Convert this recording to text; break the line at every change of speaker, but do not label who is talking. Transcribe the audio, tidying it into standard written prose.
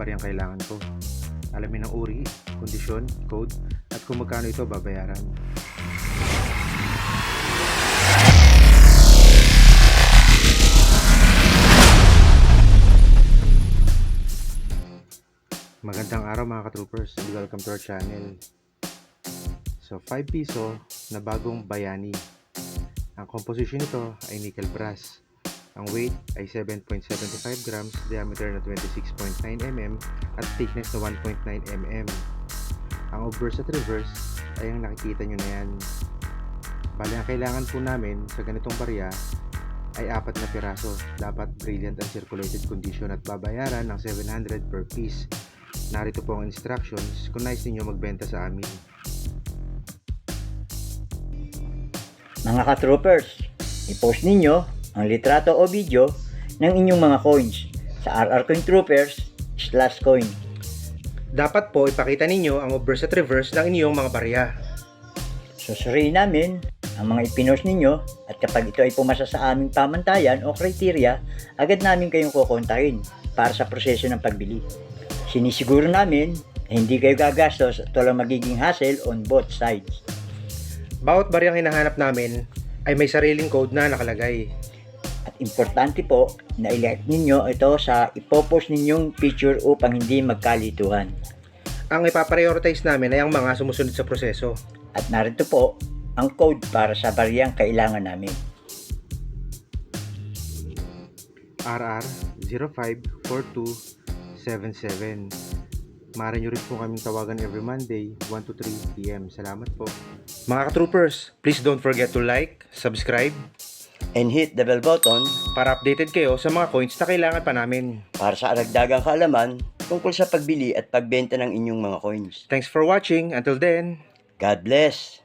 bariyang kailangan ko. Alamin ang uri, kondisyon, code, at kung magkano ito babayaran. Magandang araw mga ka-troopers, and welcome to our channel. So 5 piso na bagong bayani. Ang composition nito ay nickel brass. Ang weight ay 7.75 grams, diameter na 26.9 mm at thickness na 1.9 mm. Ang obverse at reverse ay ang nakikita nyo na yan. Bali ang kailangan po namin sa ganitong barya ay 4 na piraso. Dapat brilliant and circulated condition at babayaran ng 700 per piece. Narito po ang instructions kung nais ninyo magbenta sa amin.
Mga ka-troopers, i-post ninyo ang litrato o video ng inyong mga coins sa rrcointroopers/coin.
Dapat po ipakita ninyo ang obverse at reverse ng inyong mga barya.
Susuriin namin ang mga ipinost ninyo at kapag ito ay pumasa sa aming pamantayan o criteria, agad namin kayong kukontahin para sa proseso ng pagbili. Sinisiguro namin na hindi kayo gagastos at walang magiging hassle on both sides.
Bawat baryang hinahanap namin ay may sariling code na nakalagay.
At importante po na i-like ninyo ito sa ipopost ninyong picture upang hindi magkalituhan.
Ang ipaprioritize namin ay ang mga sumusunod sa proseso.
At narito po ang code para sa baryang kailangan namin.
RR054277. Maaari nyo rin po kaming tawagan every Monday 1 to 3 p.m. Salamat po. Mga ka-troopers, please don't forget to like, subscribe,
And hit the bell button
para updated kayo sa mga coins na kailangan pa namin.
para sa aragdagang kaalaman tungkol sa pagbili at pagbenta ng inyong mga coins.
Thanks for watching. Until then,
God bless!